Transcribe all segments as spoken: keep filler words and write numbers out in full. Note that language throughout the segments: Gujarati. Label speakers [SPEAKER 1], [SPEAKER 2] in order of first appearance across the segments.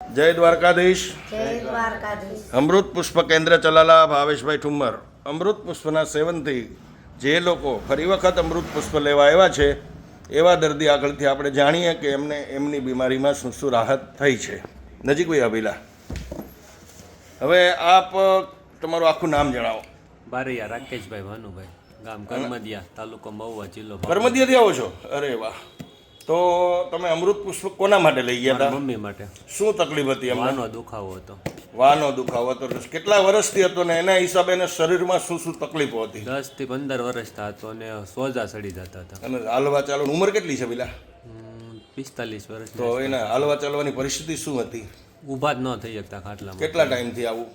[SPEAKER 1] જય દ્વારકાધીશ.
[SPEAKER 2] જય દ્વારકાધીશ.
[SPEAKER 1] અમૃત પુષ્પ કેન્દ્ર ચલાલા ભાવેશભાઈ ઠુમ્મર. અમૃત પુષ્પના સેવનથી જે લોકો ફરી વખત અમૃત પુષ્પ લેવા આવ્યા છે એવા દર્દી આગળથી આપણે જાણીએ કે એમને એમની બીમારીમાં શું શું રાહત થઈ છે. નજીક ભાઈ અભિલા, હવે આપ તમારું આખું નામ જણાવો.
[SPEAKER 3] બારૈયા રાકેશભાઈ ભાનુભાઈ, ગામ કરમદિયા, તાલુકો મહુવા, જિલ્લો
[SPEAKER 1] કરમદિયાથી આવો છો? અરે વાહ. તો તમે અમૃત પુષ્પ કોના માટે લઈ ગયા હતા?
[SPEAKER 3] મમ્મી માટે.
[SPEAKER 1] શું તકલીફ હતી એમને?
[SPEAKER 3] વાનો દુખાવો હતો.
[SPEAKER 1] વાનો દુખાવો હતો. કેટલા વર્ષથી હતો ને એના હિસાબે એને શરીરમાં શું શું તકલીફો હતી?
[SPEAKER 3] દસ થી પંદર વર્ષના હતો અને સોજા સડી જતા હતા.
[SPEAKER 1] અને હાલવા ચાલવાની ઉંમર કેટલી છે પેલા?
[SPEAKER 3] પિસ્તાલીસ વર્ષ.
[SPEAKER 1] તો એના હાલવા ચાલવાની પરિસ્થિતિ શું હતી?
[SPEAKER 3] ઊભા જ ન થઈ શકતા ખાટલામાં.
[SPEAKER 1] કેટલા ટાઈમથી આવું?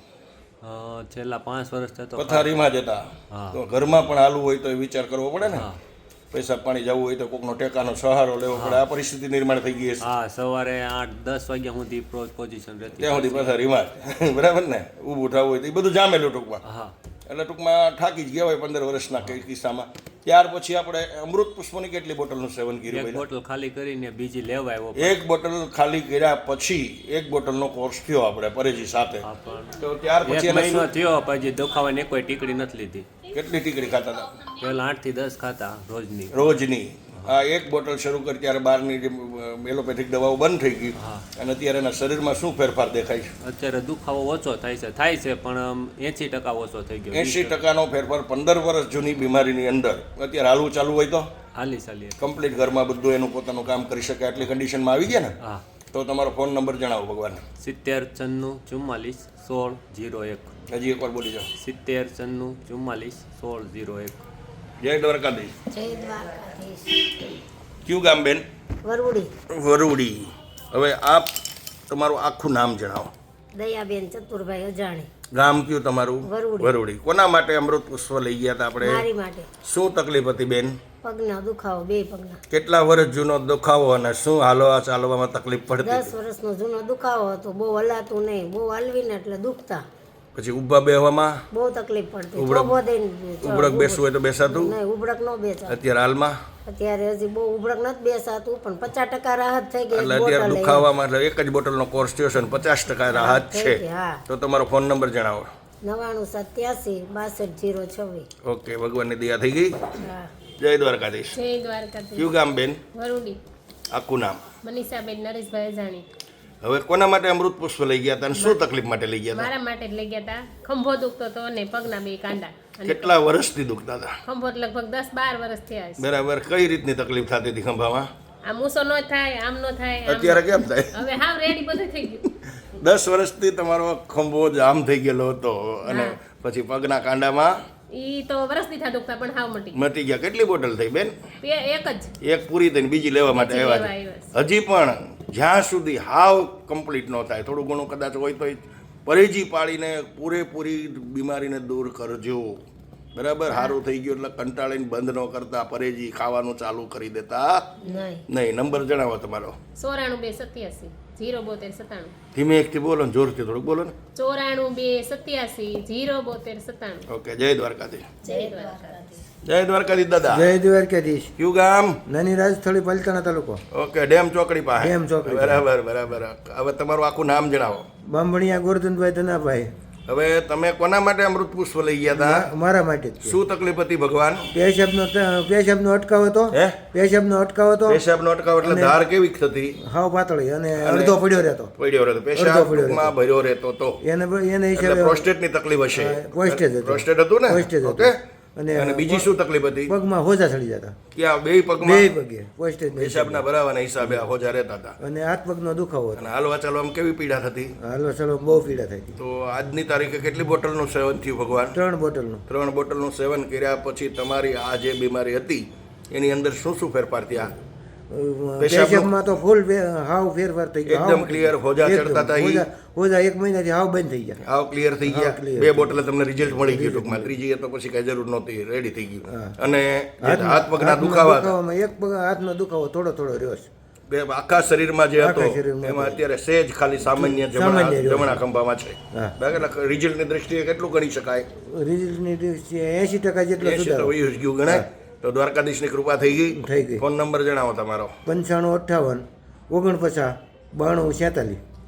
[SPEAKER 3] અ, છેલ્લા પાંચ વર્ષ થતો.
[SPEAKER 1] પથારીમાં જતા.
[SPEAKER 3] હા.
[SPEAKER 1] તો ઘરમાં પણ હાલવું હોય તો એ વિચાર કરવો પડે ને.
[SPEAKER 3] હા
[SPEAKER 1] પૈસા પાણી જવું હોય તો કોકનો ટેકાનો સહારો લેવો પડે. આ પરિસ્થિતિ નિર્માણ થઈ ગઈ હશે.
[SPEAKER 3] હા, સવારે આઠ દસ વાગ્યા સુધી પોઝિશન રહેતી.
[SPEAKER 1] ત્યાં સુધી પથારીમાં જ. બરાબર ને? ઊભું થવું હોય તો એ બધું જામેલું ટૂંકમાં.
[SPEAKER 3] હા,
[SPEAKER 1] એટલે ટૂંકમાં થાકી જ ગયા હોય પંદર વર્ષના કઈ કિસ્સામાં. ત્યાર પછી આપણે અમૃત પુષ્પની કેટલી બોટલનું સેવન કર્યું?
[SPEAKER 3] એક
[SPEAKER 1] પહેલા
[SPEAKER 3] બોટલ ખાલી કરીને બીજી લેવા આવ્યો.
[SPEAKER 1] એક બોટલ ખાલી કર્યા પછી એક બોટલનો કોર્સ થયો આપણે પરેજી સાથે.
[SPEAKER 3] હા, પણ
[SPEAKER 1] તો ત્યાર પછી
[SPEAKER 3] એક
[SPEAKER 1] એને
[SPEAKER 3] મહિનો
[SPEAKER 1] શું-
[SPEAKER 3] થયો પછી દુખાવાની કોઈ ટીકડી નથી લીધી.
[SPEAKER 1] કેટલી ટીકડી ખાતા હતા
[SPEAKER 3] પહેલા આઠ થી દસ ખાતા રોજની.
[SPEAKER 1] રોજની? આ એક બોટલ શરૂ કરી ત્યારે બહારની જે એલોપેથિક દવાઓ બંધ થઈ ગઈ.
[SPEAKER 3] હા.
[SPEAKER 1] અને અત્યારે એના શરીરમાં શું ફેરફાર દેખાય છે?
[SPEAKER 3] અત્યારે દુખાવો ઓછો થાય છે થાય છે પણ એંસી ટકા ઓછો થઈ ગયો.
[SPEAKER 1] એંશી ટકાનો ફેરફાર પંદર વર્ષ જૂની બીમારીની અંદર અત્યારે હાલવું ચાલુ હોય તો
[SPEAKER 3] હાલી ચાલીએ.
[SPEAKER 1] કમ્પ્લીટ ઘરમાં બધું એનું પોતાનું કામ કરી શકે આટલી કન્ડિશનમાં આવી ગયા ને?
[SPEAKER 3] હા,
[SPEAKER 1] તો તમારો ફોન નંબર જણાવો ભગવાન.
[SPEAKER 3] સિત્તેર છન્નું ચુમ્માલીસ સોળ જીરો એક.
[SPEAKER 1] હજી એકવાર બોલી જાઓ.
[SPEAKER 3] સિત્તેર છન્નું ચુમ્માલીસ સોળ જીરો એક.
[SPEAKER 1] જય દ્વારકાધીશ.
[SPEAKER 2] જય દ્વારકાધીશ.
[SPEAKER 1] કયું ગામ બેન?
[SPEAKER 2] વરુડી.
[SPEAKER 1] વરુડી. હવે આપ તમારું આખું નામ જણાવો.
[SPEAKER 2] દયાબેન ચતુરભાઈ અજાણી.
[SPEAKER 1] ગામ કયું તમારું?
[SPEAKER 2] વરુડી.
[SPEAKER 1] વરુડી. કોના માટે અમૃત પુષ્પ લઈ ગયા હતા આપણે?
[SPEAKER 2] મારી માટે.
[SPEAKER 1] શું તકલીફ હતી બેન?
[SPEAKER 2] પગના દુખાવો, બે પગના.
[SPEAKER 1] કેટલા વર્ષ જૂનો દુખાવો અને શું હાલવા ચાલવામાં તકલીફ પડતી
[SPEAKER 2] દસ
[SPEAKER 1] હતી?
[SPEAKER 2] વર્ષનો જૂનો દુખાવો હતો. બહુ હલાતું નહીં, બહુ હલવીને એટલે દુખતા.
[SPEAKER 1] પછી ઊભા બેહવામાં
[SPEAKER 2] બહુ તકલીફ પડતી.
[SPEAKER 1] ઉબળક-
[SPEAKER 2] થોભો દઈને
[SPEAKER 1] ઉબળક બેસવું હોય તો બેસાતું?
[SPEAKER 2] નહીં, ઉબળક ન બેસાતું.
[SPEAKER 1] અત્યારે હાલમાં
[SPEAKER 2] અત્યારે હજી બહુ ઉબળક નથી બેસાતું પણ પચાસ ટકા રાહત થઈ ગઈ.
[SPEAKER 1] એટલે
[SPEAKER 2] એક
[SPEAKER 1] અત્યારે
[SPEAKER 2] બોટલ લઈ.
[SPEAKER 1] દુખાવામાં એટલે એક જ બોટલનો કોર્સ થયો છે અને પચાસ ટકા રાહત
[SPEAKER 2] થઈ
[SPEAKER 1] છે.
[SPEAKER 2] ગઈ, હા.
[SPEAKER 1] તો તમારો ફોન નંબર જણાવો.
[SPEAKER 2] નવાણું સત્યાસી બાસઠ જીરો છવ્વીસ.
[SPEAKER 1] ઓકે, ભગવાનની દયા થઈ ગઈ.
[SPEAKER 2] હા.
[SPEAKER 1] જય દ્વારકાધીશ.
[SPEAKER 4] જય દ્વારકાધીશ.
[SPEAKER 1] કયું ગામ બેન?
[SPEAKER 4] વરુડી.
[SPEAKER 1] આખું નામ?
[SPEAKER 4] મનીષાબેન નરેશભાઈ અજાણી.
[SPEAKER 1] હવે કોના માટે અમૃત પુષ્પ લઈ ગયા હતા અને શું તકલીફ માટે લઈ ગયા હતા?
[SPEAKER 4] મારા માટે જ લઈ ગયા હતા. ખંભો દુખતો હતો અને પગના બે કાંડા. અને
[SPEAKER 1] કેટલા વર્ષથી દુખતા હતા?
[SPEAKER 4] ખંભો તો લગભગ દસ બાર વર્ષ થયા છે.
[SPEAKER 1] બરાબર. કઈ રીતની તકલીફ થતી હતી ખંભામાં?
[SPEAKER 4] આમ ઊંચો ન થાય, આમ ન થાય. આમ-
[SPEAKER 1] અત્યારે કેમ થાય?
[SPEAKER 4] હવે હાવ રેડી બધું થઈ ગયું.
[SPEAKER 1] દસ વર્ષથી તમારો ખંભો જામ થઈ ગયેલો હતો અને પછી પગના કાંડામાં
[SPEAKER 4] ઈ તો વર્ષથી થા દુખતા પણ હાવ મટી ગયું.
[SPEAKER 1] મટી ગયા. કેટલી બોટલ થઈ બેન?
[SPEAKER 4] બે એક જ
[SPEAKER 1] એક પૂરી થઈને બીજી લેવા માટે
[SPEAKER 4] બીજી
[SPEAKER 1] આવ્યા
[SPEAKER 4] લેવા
[SPEAKER 1] છે.
[SPEAKER 4] આવ્યા
[SPEAKER 1] હજી પણ જ્યાં સુધી હાવ કમ્પ્લીટ ન થાય, થોડું ઘણું કદાચ હોય તો પરેજી પાડીને પૂરેપૂરી બીમારીને દૂર કરજો. બરાબર. સારું થઈ ગયું એટલે કંટાળીને બંધ ન કરતા, પરેજી ખાવાનું ચાલુ કરી દેતા
[SPEAKER 2] નહીં.
[SPEAKER 1] નહીં. નંબર જણાવો તમારો.
[SPEAKER 4] ચોરાણું બે સત્યાસી જીરો બોતેર સત્તાણું.
[SPEAKER 1] ધીમે એકથી બોલો ને, જોરથી થોડુંક બોલો ને.
[SPEAKER 4] ચોરાણું બે સત્યાસી જીરો બોતેર સત્તાણું.
[SPEAKER 1] ઓકે. જય દ્વારકાધીશ.
[SPEAKER 4] જય દ્વારકાધીશ.
[SPEAKER 1] જય દ્વારકાધીશ દાદા.
[SPEAKER 5] જય દ્વારકાધીશ.
[SPEAKER 1] કયું ગામ?
[SPEAKER 5] નાની રાજસ્થળી પલતાણા તાલુકો,
[SPEAKER 1] ઓકે. ડેમ ચોકડી પાસે.
[SPEAKER 5] ડેમ ચોકડી.
[SPEAKER 1] બરાબર બરાબર. હવે તમારું આખું નામ જણાવો.
[SPEAKER 5] બાંભણિયા ગોરધનભાઈ ધનાભાઈ.
[SPEAKER 1] હવે તમે કોના માટે અમૃત પુષ્પ લઈ ગયા હતા?
[SPEAKER 5] મા- મારા માટે જ છે.
[SPEAKER 1] શું તકલીફ હતી ભગવાન?
[SPEAKER 5] પેશાબનો ત- પેશાબનો અટકાવ હતો.
[SPEAKER 1] હે?
[SPEAKER 5] પેશાબનો અટકાવ હતો.
[SPEAKER 1] પેશાબનો અટકાવ એટલે ધાર કેવી થતી?
[SPEAKER 5] હાવ પાતળી અને અડધો પડ્યો રહેતો.
[SPEAKER 1] પડ્યો રહેતો.
[SPEAKER 5] અડધો
[SPEAKER 1] પેશાબ
[SPEAKER 5] પડ્યો
[SPEAKER 1] ટૂંકમાં ભર્યો રહેતો તો
[SPEAKER 5] એને એને
[SPEAKER 1] એટલે
[SPEAKER 5] હિસાબે
[SPEAKER 1] પ્રોસ્ટેટની તકલીફ હશે.
[SPEAKER 5] હા, prostate હતું.
[SPEAKER 1] પ્રોસ્ટેટ હતું ને?
[SPEAKER 5] prostate હતું.
[SPEAKER 1] ઓકે.
[SPEAKER 5] અને
[SPEAKER 1] અને બીજી શું તકલીફ હતી?
[SPEAKER 5] પગમાં હોજા ચડી જતા.
[SPEAKER 1] ક્યાં? બે
[SPEAKER 5] બે
[SPEAKER 1] પગમાં
[SPEAKER 5] પગે prostate ને
[SPEAKER 1] પેશાબના ભરાવાના હિસાબે આ હોજા રહેતા હતા.
[SPEAKER 5] અને હાથ પગનો દુખાવો હતો.
[SPEAKER 1] અને હાલવા ચાલવામાં કેવી પીડા થતી?
[SPEAKER 5] હાલો ચલો બહુ પીડા થઈ હતી.
[SPEAKER 1] તો આજની તારીખે કેટલી બોટલનું સેવન થયું ભગવાન?
[SPEAKER 5] ત્રણ બોટલનું.
[SPEAKER 1] ત્રણ બોટલનું સેવન કર્યા પછી તમારી આ જે બીમારી હતી એની અંદર શું શું ફેરફાર થયા? પેશાબનું-
[SPEAKER 5] પેશાબમાં તો ફૂલ ફે- હાવ ફેરફાર થઈ ગયો.
[SPEAKER 1] એકદમ
[SPEAKER 5] હાવ
[SPEAKER 1] clear હોજા
[SPEAKER 5] એકદમ.
[SPEAKER 1] ચડતા હતા ઈ?
[SPEAKER 5] હોજા- હોજા એક મહિનાથી હાવ બંધ થઈ ગયા.
[SPEAKER 1] આવ ક્લિયર થઈ
[SPEAKER 5] હા,
[SPEAKER 1] ગયા.
[SPEAKER 5] clear
[SPEAKER 1] બે
[SPEAKER 5] થઈ
[SPEAKER 1] બોટલ તમને રિઝલ્ટ મળી ગયું ટૂંકમાં. ત્રીજી એ તો પછી કઈ જરૂર નહોતી, રેડી થઈ ગયું.
[SPEAKER 5] હા.
[SPEAKER 1] અને જે
[SPEAKER 5] હાથમાં-
[SPEAKER 1] હાથ પગના
[SPEAKER 5] હાથમાં
[SPEAKER 1] દુખાવા હતા,
[SPEAKER 5] દુખાવામાં એક પગ હાથનો દુખાવો થોડો થોડો રહ્યો છે.
[SPEAKER 1] બે આખા શરીરમાં જે હતો
[SPEAKER 5] આખા શરીરમાં
[SPEAKER 1] એમાં
[SPEAKER 5] હતો.
[SPEAKER 1] અત્યારે સેજ ખાલી સામાન્ય જમણા
[SPEAKER 5] સામાન્ય રહ્યો.
[SPEAKER 1] જમણા ખંભામાં છે.
[SPEAKER 5] હા.
[SPEAKER 1] બરાબર. રિઝલ્ટની દ્રષ્ટિએ કેટલું ગણી શકાય?
[SPEAKER 5] રિઝલ્ટની દ્રષ્ટિએ એંશી ટકા જેટલો
[SPEAKER 1] એંશી તો
[SPEAKER 5] સુધારો.
[SPEAKER 1] વયું જ ગયું ગણાય. તો દ્વારકાધીશની કૃપા થઈ ગઈ.
[SPEAKER 5] થઈ ગઈ.
[SPEAKER 1] ફોન નંબર જણાવો તમારો.
[SPEAKER 5] પંચાણું અઠ્ઠાવન ઓગણપચાસ બાણું છેતાલીસ.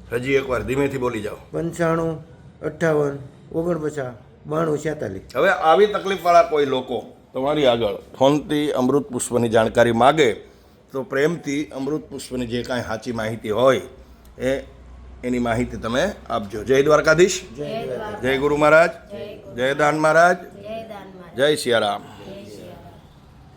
[SPEAKER 1] હજી એકવાર ધીમેથી બોલી જાઓ.
[SPEAKER 5] પંચાણું અઠ્ઠાવન ઓગણપચાસ બાણું છેતાલીસ.
[SPEAKER 1] હવે આવી તકલીફવાળા કોઈ લોકો તમારી આગળ ફોનથી અમૃત પુષ્પની જાણકારી માગે તો પ્રેમથી અમૃત પુષ્પની જે કાંઈ સાચી માહિતી હોય એ એની માહિતી તમે આપજો. જય દ્વારકાધીશ, જય ગુરુ મહારાજ, જય દાન મહારાજ,
[SPEAKER 2] જય દાનમાં
[SPEAKER 1] જય સિયારામ.